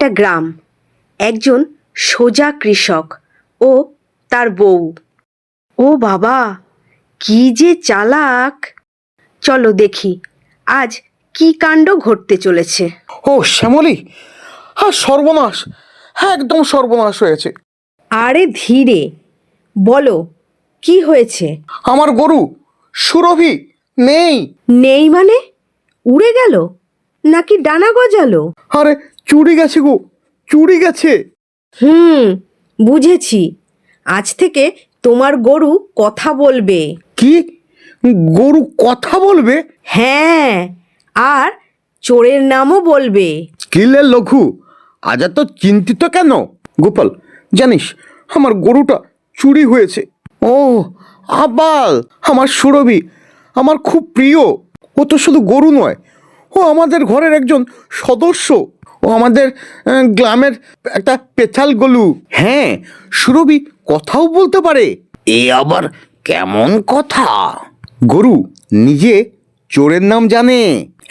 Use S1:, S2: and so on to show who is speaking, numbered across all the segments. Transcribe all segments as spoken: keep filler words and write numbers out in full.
S1: একটা গ্রাম, একজন সোজা কৃষক ও তার বউ। ও বাবা, কি যে চালাক! চলো দেখি আজ কি কাণ্ড ঘটতে চলেছে।
S2: ও শ্যামলী, হ্যাঁ সর্বনাশ, হ্যাঁ একদম সর্বনাশ হয়েছে।
S1: আরে ধীরে বলো, কি হয়েছে?
S2: আমার গরু সুরভি নেই।
S1: নেই মানে? উড়ে গেল নাকি ডানা গজালো?
S2: আরে চুরি গেছে গো, চুরি গেছে।
S1: হুম, বুঝেছি। আজ থেকে তোমার গরু কথা বলবে।
S2: কি, গরু কথা বলবে?
S1: হ্যাঁ, আর চোরের নামও বলবে।
S2: কিলে লঘু, আজ এত চিন্তিত কেন? গোপাল, জানিস আমার গরুটা চুরি হয়েছে। ও আবাল, আমার সুরভি, আমার খুব প্রিয়। ও তো শুধু গরু নয়, ও আমাদের ঘরের একজন সদস্য। ও আমাদের আহ, গ্রামের একটা পেছাল গলু। হ্যাঁ, সুরভি কথাও বলতে পারে। এ আবার কেমন কথা? গরু নিজে চোরের নাম জানে।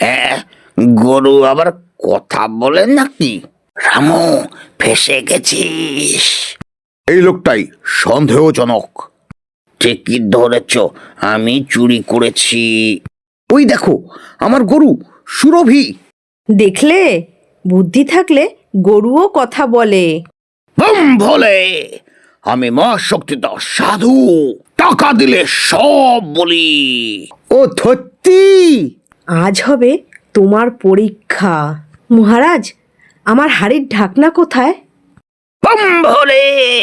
S2: গরু আবার কথা বলে নাকি? রামু, ফেসে গেছিস। এই লোকটাই সন্দেহজনক। ঠিকই ধরেছ, আমি চুরি করেছি। ওই দেখো আমার গরু সুরভি।
S1: দেখলে, বুদ্ধি থাকলে গরুও কথা বলে।
S2: বম ভোলে, আমি মহাশক্তিধর সাধু, টাকা দিলে সব বলি। ও সত্যি?
S1: আজ হবে তোমার পরীক্ষা। মহারাজ, আমার হাড়ির ঢাকনা কোথায়?
S2: বম ভোলে,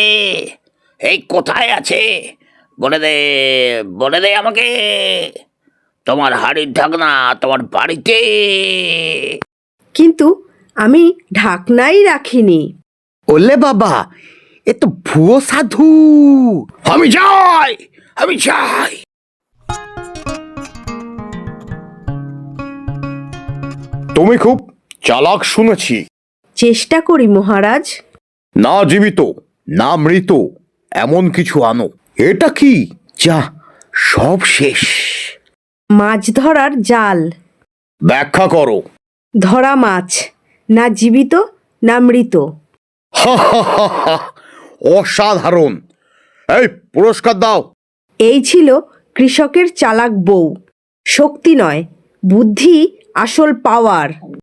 S2: এই কোথায় আছে বলে দে, বলে দে আমাকে। তোমার হাড়ির ঢাকনা তোমার বাড়িতে।
S1: কিন্তু আমি ঢাকনাই রাখিনি।
S2: ওলে বাবা, এ তো ভুয়ো সাধু। আমি যাই, আমি যাই। তুমি খুব চালাক শুনেছি।
S1: চেষ্টা করি মহারাজ।
S2: না জীবিত না মৃত এমন কিছু আনো। এটা কি? যা, সব শেষ।
S1: মাছ ধরার জাল।
S2: ব্যাখ্যা করো।
S1: ধরা মাছ, না জীবিত না মৃত।
S2: হা হা হা হা, অসাধারণ। এই পুরস্কার দাও।
S1: এই ছিল কৃষকের চালাক বউ। শক্তি নয়, বুদ্ধি আসল পাওয়ার।